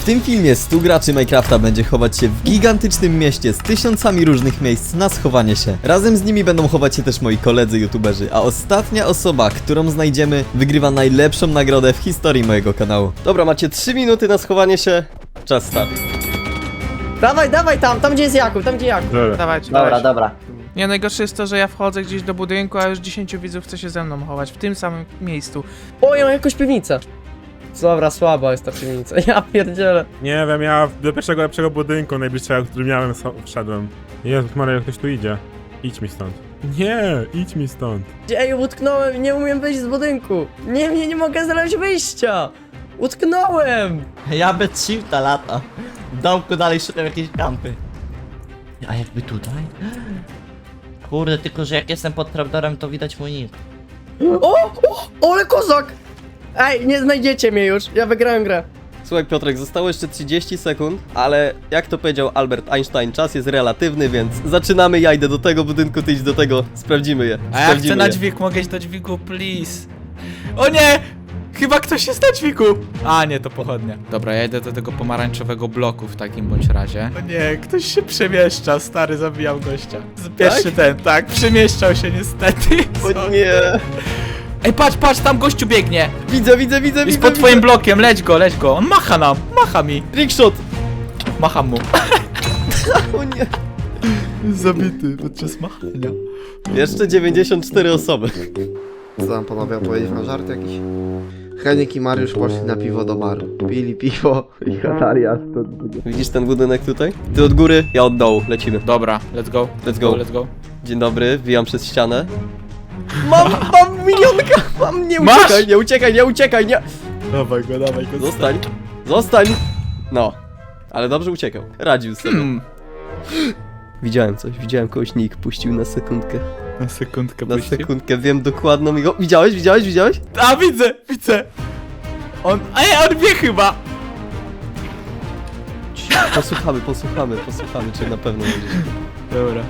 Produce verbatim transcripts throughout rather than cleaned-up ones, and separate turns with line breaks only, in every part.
tym filmie stu graczy Minecrafta będzie chować się w gigantycznym mieście z tysiącami różnych miejsc na schowanie się. Razem z nimi będą chować się też moi koledzy youtuberzy, a ostatnia osoba, którą znajdziemy, wygrywa najlepszą nagrodę w historii mojego kanału. Dobra, macie trzy minuty na schowanie się. Czas start.
Dawaj, dawaj tam, tam gdzie jest Jakub, tam gdzie Jakub.
Dobra.
Dawajcie,
Dobra,
dawajcie.
dobra.
Nie, najgorsze jest to, że ja wchodzę gdzieś do budynku, a już dziesięciu widzów chce się ze mną chować, w tym samym miejscu.
O, ja mam jakąś piwnicę. Dobra, słaba jest ta piwnica, ja pierdzielę.
Nie wiem, ja do pierwszego lepszego budynku najbliższego, który miałem, so- wszedłem. Jezus Maria, ktoś tu idzie. Idź mi stąd. Nie, idź mi stąd.
Ej, utknąłem i nie umiem wyjść z budynku. Nie, nie, nie mogę znaleźć wyjścia. Utknąłem.
Ja bez shifta lata. W domku dalej szukam jakieś kampy. A jakby tutaj? Kurde, tylko że jak jestem pod trapdorem, to widać mój nick.
O, o, ale kozak. Ej, nie znajdziecie mnie już, ja wygrałem grę.
Słuchaj Piotrek, zostało jeszcze trzydzieści sekund, ale jak to powiedział Albert Einstein, czas jest relatywny, więc zaczynamy, ja idę do tego budynku, ty idź do tego, sprawdzimy je.
A ja
Sprawdzimy
chcę na
je.
dźwig, mogę iść do dźwigu, please. O nie! Chyba ktoś jest na dźwigu! A nie, to pochodnia. Dobra, ja idę do tego pomarańczowego bloku w takim bądź razie. O nie, ktoś się przemieszcza, stary, zabijał gościa. Pierwszy
Tak?
ten, tak, przemieszczał się niestety.
O nie!
Ej, patrz, patrz, tam gościu biegnie!
Widzę, widzę, widzę,
Jest
widzę,
pod twoim
widzę.
blokiem, leć go, leć go. On macha nam, macha mi.
Trickshot!
Macham mu.
O nie!
Zabity podczas machania.
Jeszcze dziewięćdziesiąt cztery osoby.
Co tam panowie opowiedzieć na żart jakiś? Henik i Mariusz poszli na piwo do baru. Pili piwo i gadali aż to...
Widzisz ten budynek tutaj? Ty od góry, ja od dołu, lecimy.
Dobra, let's go.
Let's go.
Let's go.
Dzień dobry, wbijam przez ścianę. Mam, mam milionka! Mam, nie
Masz?
uciekaj, nie uciekaj, nie uciekaj, nie!
Dawaj go, dawaj go.
Zostań, zostań! No, ale dobrze uciekał, radził sobie.
Hmm.
Widziałem coś, widziałem kogoś, nick puścił na sekundkę.
Na sekundkę
Na
puścił.
sekundkę, wiem dokładną jego... Widziałeś, widziałeś, widziałeś?
A, widzę, widzę. On, ej, on wie chyba.
Posłuchamy, posłuchamy, posłuchamy, czy na pewno widzisz.
Dobra.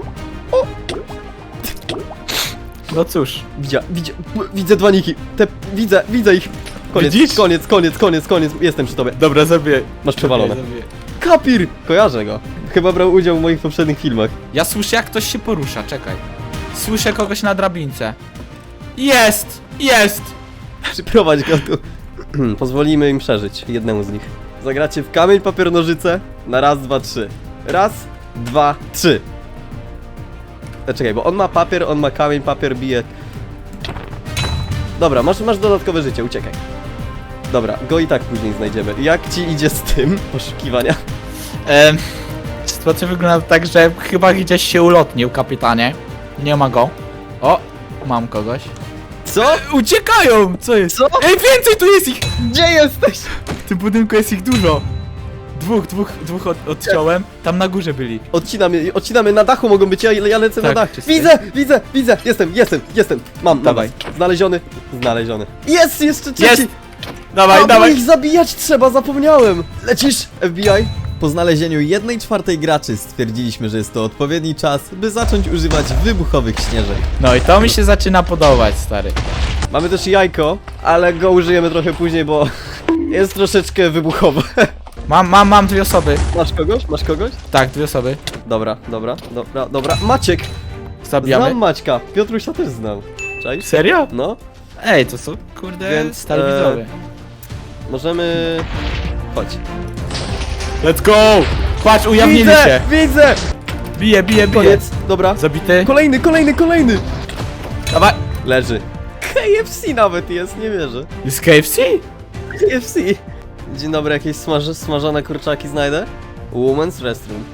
No cóż.
Widzia, widzia, widzę dwa niki, te, widzę, widzę ich. Koniec,
Widzisz?
koniec, koniec, koniec, koniec, jestem przy tobie.
Dobra, zabiję.
Masz przewalone.
Zabiję, zabiję.
Kapir! Kojarzę go. Chyba brał udział w moich poprzednich filmach.
Ja słyszę, jak ktoś się porusza, czekaj. Słyszę kogoś na drabince. Jest! Jest!
Przyprowadź go tu. Pozwolimy im przeżyć, jednemu z nich. Zagracie w kamień, papier, nożyce na raz, dwa, trzy. Raz, dwa, trzy. E, czekaj, bo on ma papier, on ma kamień, papier bije. Dobra, masz, masz dodatkowe życie, uciekaj. Dobra, go i tak później znajdziemy. Jak ci idzie z tym poszukiwania?
Ehm, sytuacja wygląda tak, że chyba gdzieś się ulotnił, kapitanie. Nie ma go. O, mam kogoś.
Co?
Uciekają! Co jest?
Co?
Ej, więcej tu jest ich!
Gdzie jesteś?
W tym budynku jest ich dużo. Dwóch, dwóch, dwóch od, odciąłem. Tam na górze byli.
Odcinamy, odcinamy, na dachu mogą być, ja, ja lecę
Tak,
na dach.
czysty.
Widzę, widzę, widzę, jestem, jestem, jestem. Mam,
Dawaj.
dawaj. Znaleziony, znaleziony. Jest, jeszcze trzeci.
Jest! Dawaj,
A,
dawaj!
bo ich zabijać trzeba, zapomniałem. Lecisz, F B I? Po znalezieniu jednej czwartej graczy stwierdziliśmy, że jest to odpowiedni czas, by zacząć używać wybuchowych śnieżek.
No i to mi się zaczyna podobać, stary.
Mamy też jajko, ale go użyjemy trochę później, bo jest troszeczkę wybuchowe.
Mam, mam, mam dwie osoby.
Masz kogoś? Masz kogoś?
Tak, dwie osoby.
Dobra, dobra, dobra, dobra. Maciek!
Zabijamy.
Znam Maćka, Piotrusia też znam. Cześć?
Serio?
No.
Ej, to są, kurde,
Więc,
stali
e,
widzowie.
Możemy... Chodź.
Let's go! Patrz, ujawnili
Widzę,
się.
widzę!
Bije, bije, bije.
Koniec, dobra.
Zabity.
Kolejny, kolejny, kolejny!
Dawaj.
Leży. K F C nawet jest, nie wierzę.
Jest K F C?
K F C. Dzień dobry, jakieś smaż smażone kurczaki znajdę? Women's Restroom.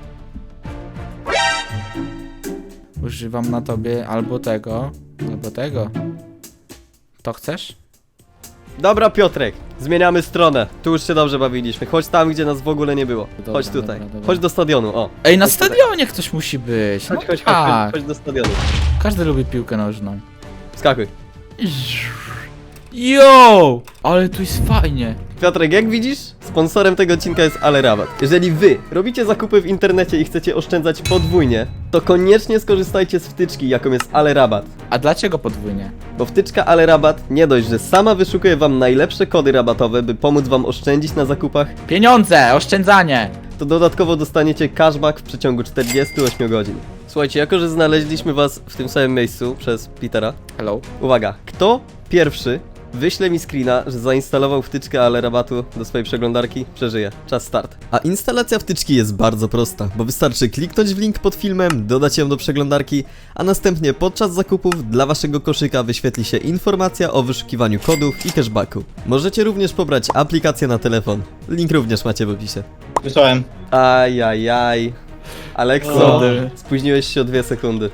Używam na tobie albo tego, albo tego. To chcesz?
Dobra, Piotrek, zmieniamy stronę. Tu już się dobrze bawiliśmy. Chodź tam, gdzie nas w ogóle nie było.
Dobra,
Chodź tutaj.
dobra, dobra.
Chodź do stadionu, o.
Ej, na
Chodź tutaj.
stadionie ktoś musi być. No
Chodź, chodź, chodź,
tak.
chodź, chodź do stadionu.
Każdy lubi piłkę nożną.
Skakuj.
Yo! Ale tu jest fajnie.
Piotrek, jak widzisz, sponsorem tego odcinka jest AleRabat. Jeżeli wy robicie zakupy w internecie i chcecie oszczędzać podwójnie, to koniecznie skorzystajcie z wtyczki, jaką jest AleRabat.
A dlaczego podwójnie?
Bo wtyczka AleRabat nie dość, że sama wyszukuje wam najlepsze kody rabatowe, by pomóc wam oszczędzić na zakupach,
Pieniądze, oszczędzanie.
to dodatkowo dostaniecie cashback w przeciągu czterdziestu ośmiu godzin. Słuchajcie, jako że znaleźliśmy was w tym samym miejscu przez Petera,
Hello.
uwaga, kto pierwszy wyśle mi screena, że zainstalował wtyczkę AleRabatu do swojej przeglądarki, przeżyje. Czas start. A instalacja wtyczki jest bardzo prosta, bo wystarczy kliknąć w link pod filmem, dodać ją do przeglądarki, a następnie podczas zakupów dla waszego koszyka wyświetli się informacja o wyszukiwaniu kodów i cashbacku. Możecie również pobrać aplikację na telefon. Link również macie w opisie.
Wysłałem.
Ajajaj. Alekso,
Kurde.
spóźniłeś się o dwie sekundy.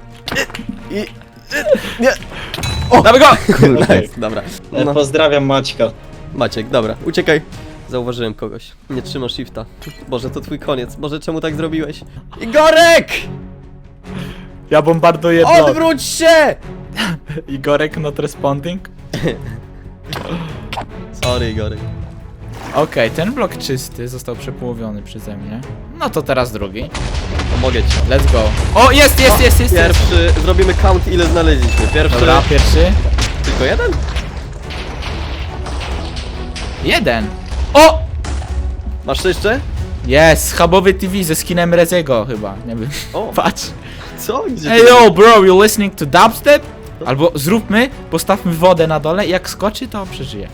Damy go!
Nice, dobra.
E,
No.
Pozdrawiam Maćka.
Maciek, dobra, uciekaj. Zauważyłem kogoś. Nie trzyma shifta. Boże, to twój koniec. Boże, czemu tak zrobiłeś? Igorek!
Ja bombarduję blok.
Odwróć się!
Igorek not responding.
Sorry, Igorek.
Okej, ten blok czysty został przepołowiony przeze mnie. No to teraz drugi.
Pomogę ci.
Let's go. O, jest, jest, jest, jest, jest.
Pierwszy, zrobimy count ile znaleźliśmy. Pierwszy,
Dobra, pierwszy.
tylko jeden?
Jeden. O!
Masz jeszcze?
Jest, hubowy T V ze skinem Reziego chyba, nie wiem.
O,
Patrz.
co? Gdzie
Hey
ty-
yo bro, you listening to dubstep? Albo zróbmy, postawmy wodę na dole i jak skoczy to przeżyje.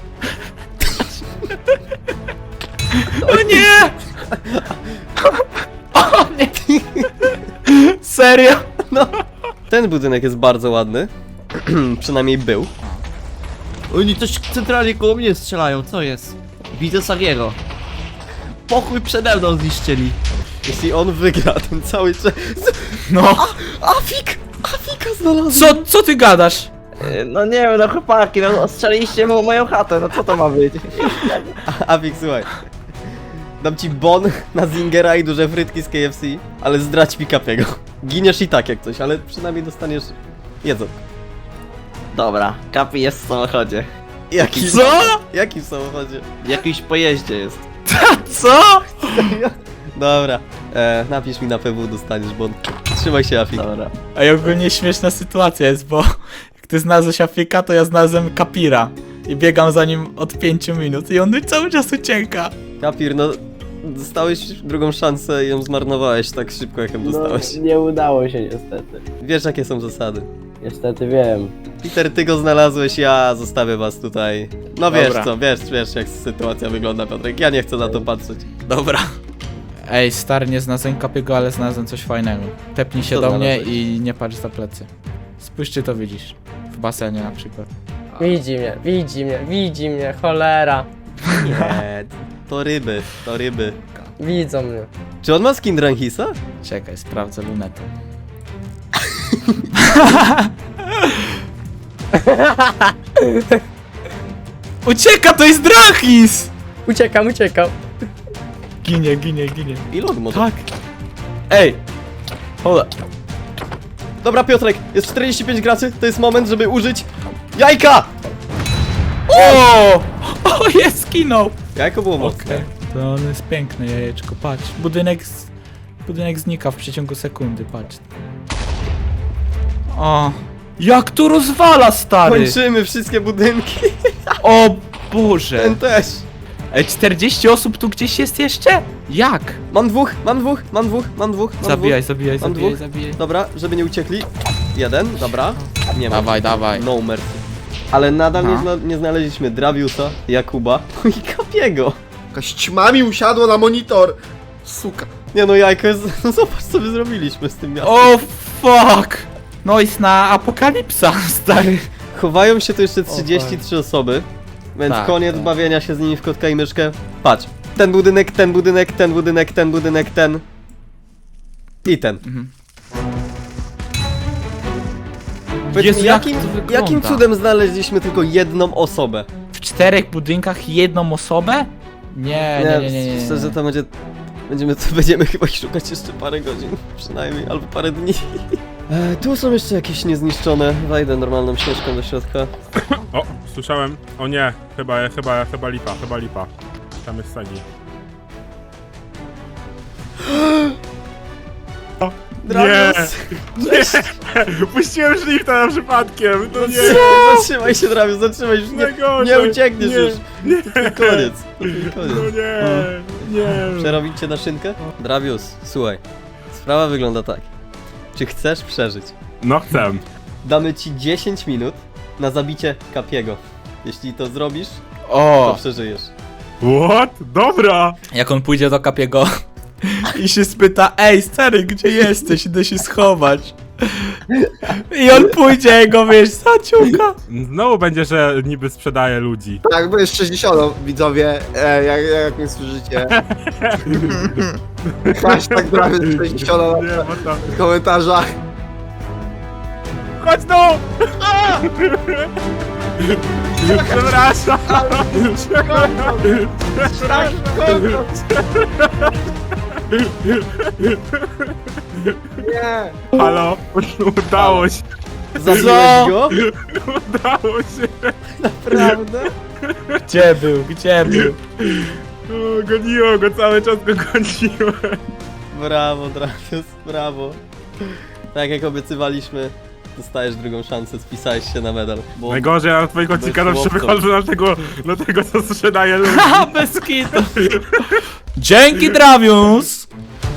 O nie! O nie! Serio?
Ten budynek jest bardzo ładny. Przynajmniej był.
Oni też centralnie koło mnie strzelają, co jest? Widzę Sagiego. Pokój przede mną zniszczyli.
Jeśli on wygra ten cały czas...
No.
Afik! Afika znalazłem!
Co, co ty gadasz?
E, No nie wiem, no chłopaki, no ostrzeliliście mu moją chatę, no co to ma być?
Afik, słuchaj. Dam ci bon na Zingera i duże frytki z K F C, ale zdradź mi Kapiego. Giniesz i tak jak coś, ale przynajmniej dostaniesz jedzą.
Dobra, Kapi jest w samochodzie.
Jaki?
Co?
Jaki w samochodzie?
W jakimś pojeździe jest.
Co?
Dobra, e, napisz mi na P W, dostaniesz bon. Trzymaj się, Afik.
Dobra.
A ogólnie śmieszna sytuacja jest, bo jak ty znalazłeś Afika, to ja znalazłem Kapira. I biegam za nim od pięciu minut i on cały czas ucieka.
Kapir, no... Dostałeś drugą szansę i ją zmarnowałeś tak szybko, jak ją dostałeś.
No, nie udało się niestety.
Wiesz, jakie są zasady.
Niestety wiem.
Peter, ty go znalazłeś, ja zostawię was tutaj. No wiesz
Dobra.
co, wiesz, wiesz jak sytuacja wygląda, Piotrek. Ja nie chcę na to patrzeć.
Dobra. Ej, stary, nie znalazłem Kapiego, ale znalazłem coś fajnego. Tepnij się
Co
do mnie
znalazłeś?
i nie patrz za plecy. Spójrz, czy to widzisz. W basenie na przykład.
Widzi mnie, widzi mnie, widzi mnie, cholera.
Nie, to ryby, to ryby.
Widzą mnie.
Czy on ma skin Dranhisa?
Czekaj, sprawdzę lunetę. Ucieka, to jest Drachis!
Uciekam, uciekam.
Ginie, ginie, ginie.
I log może.
Tak. Ej! Hold up.
Dobra, Piotrek, jest czterdzieści pięć graczy, to jest moment, żeby użyć jajka!
O! O, jest, skinął!
Jajko było mocne.
Okej. To on jest piękne jajeczko, patrz. Budynek, z... Budynek znika w przeciągu sekundy, patrz. O! Jak tu rozwala, stary!
Kończymy wszystkie budynki.
O Boże!
Ten też.
Ej, czterdzieści osób tu gdzieś jest jeszcze? Jak?
Mam dwóch, mam dwóch, mam dwóch, mam dwóch, mam
Zabijaj,
dwóch.
zabijaj,
Mam
zabijaj,
dwóch.
zabijaj.
Dobra, żeby nie uciekli. Jeden, dobra. Nie ma.
Dawaj, dawaj.
No mercy. Ale nadal nie,
No.
zna nie znaleźliśmy Draviusa, Jakuba i Kapiego.
Jakaś ćma mi usiadła na monitor. Suka.
Nie no, jajko jest... No zobacz, co my zrobiliśmy z tym miastem.
O fuck! No jest na apokalipsa, stary.
Chowają się tu jeszcze trzydzieści trzy osoby, więc
Tak,
koniec
tak.
bawienia się z nimi w kotka i myszkę. Patrz, ten budynek, ten budynek, ten budynek, ten budynek, ten i ten.
Mhm.
Powiedz
Jezu,
mi,
jak
jakim,
to wygląda?
jakim cudem znaleźliśmy tylko jedną osobę?
W czterech budynkach jedną osobę? Nie, nie, nie, nie, nie, nie.
Szczerze to będzie... Będziemy, to będziemy chyba ich szukać jeszcze parę godzin, przynajmniej, albo parę dni. E, tu są jeszcze jakieś niezniszczone. Wejdę normalną ścieżką do środka.
O, Słyszałem. O nie, chyba, chyba, chyba lipa, chyba lipa. Tam jest Sagi. O, nie!
Dravius!
Nie! Puściłem shifta na przypadkiem! To nie!
Zatrzymaj się, Dravius, zatrzymaj już, nie,
Najgorzej.
nie uciekniesz
Nie,
już.
Nie!
To twój koniec, to twój
No
koniec.
nie! Nie!
Przerobić cię na szynkę? Dravius, słuchaj, sprawa wygląda tak. Czy chcesz przeżyć?
No chcę.
Damy ci dziesięć minut na zabicie Kapiego. Jeśli to zrobisz, to
O!
przeżyjesz.
What? Dobra!
Jak on pójdzie do Kapiego i się spyta, ej stary, gdzie jesteś? Idę się schować. I on pójdzie i go, wiesz, zaciuka.
Znowu będzie, że niby sprzedaje ludzi.
Tak, bo jest sześćdziesiąt, widzowie, e, jak, jak mnie słyszycie. Hashtag prawie sześćdziesiąt
Nie, bo to...
w komentarzach.
Chodź tu! Przepraszam!
Nie.
Halo? Udało się!
Zabiłeś go?
Udało się!
Naprawdę?
Gdzie był, gdzie był?
O, goniło go, cały czas go goniłem.
Brawo, Dravius, brawo. Tak jak obiecywaliśmy, dostajesz drugą szansę, spisałeś się na medal. Bo
Najgorzej, ja na twojego
Bez
odcinka zawsze
chłopców.
wychodzę na tego, na tego, co sprzedaje ludzi.
Haha, bez kitu. Dzięki, Dravius!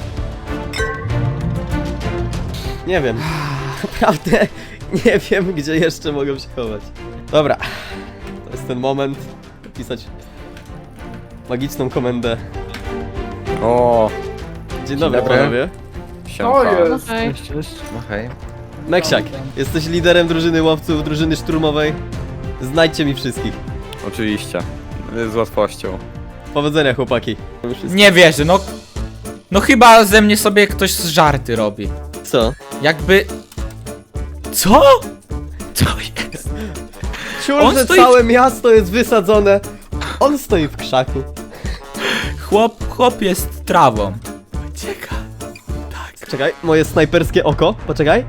nie wiem, naprawdę nie wiem, gdzie jeszcze mogę się chować. Dobra, to jest ten moment, pisać magiczną komendę.
O,
Dzień dobry,
dobry.
panowie.
siemka.
Hej.
No hej.
Meksiak, jesteś liderem drużyny łowców, drużyny szturmowej. Znajdźcie mi wszystkich.
Oczywiście. Z łatwością.
Powodzenia, chłopaki.
Nie wierzę, no... No chyba ze mnie sobie ktoś z żarty robi.
Co?
Jakby... Co? Co jest?
Ciul,
On
że
stoi-
całe miasto jest wysadzone. On stoi w krzaku.
Chłop, chłop jest trawą. Ucieka.
Czekaj, moje snajperskie oko, poczekaj.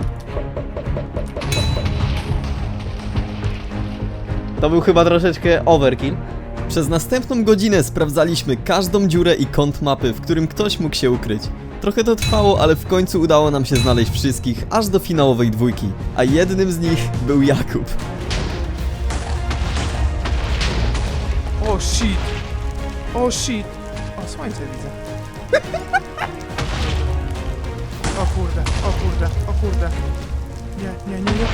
To był chyba troszeczkę overkill. Przez następną godzinę sprawdzaliśmy każdą dziurę i kąt mapy, w którym ktoś mógł się ukryć. Trochę to trwało, ale w końcu udało nam się znaleźć wszystkich, aż do finałowej dwójki. A jednym z nich był Jakub.
O shit. O shit. O, słońce widzę. O kurde, o kurde, o kurde. Nie, nie, nie, nie.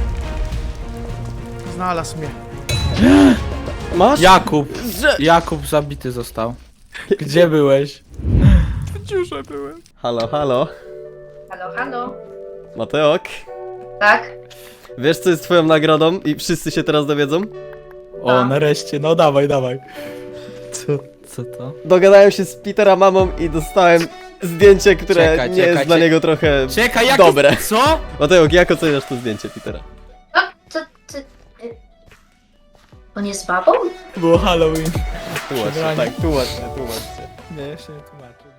Znalazł mnie.
Masz?
Jakub. Jakub zabity został. Gdzie byłeś?
W dziurze byłem.
Halo, halo.
Halo, halo.
Mateok.
Tak?
Wiesz, co jest twoją nagrodą i wszyscy się teraz dowiedzą?
O, nareszcie, no dawaj, dawaj. Co, co to?
Dogadałem się z Petera mamą i dostałem zdjęcie, które
Czekaj,
nie
czekaj,
jest dla
czekaj.
niego trochę
Czekaj, jak
dobre.
Co?
Mateusz, jak oceniasz to zdjęcie Petera?
O, to, to... y, On jest babą?
Było Halloween.
Tłumacz się,
Przebranie.
tak, tłumacz się, tłumacz się.
Nie, jeszcze nie tłumaczę.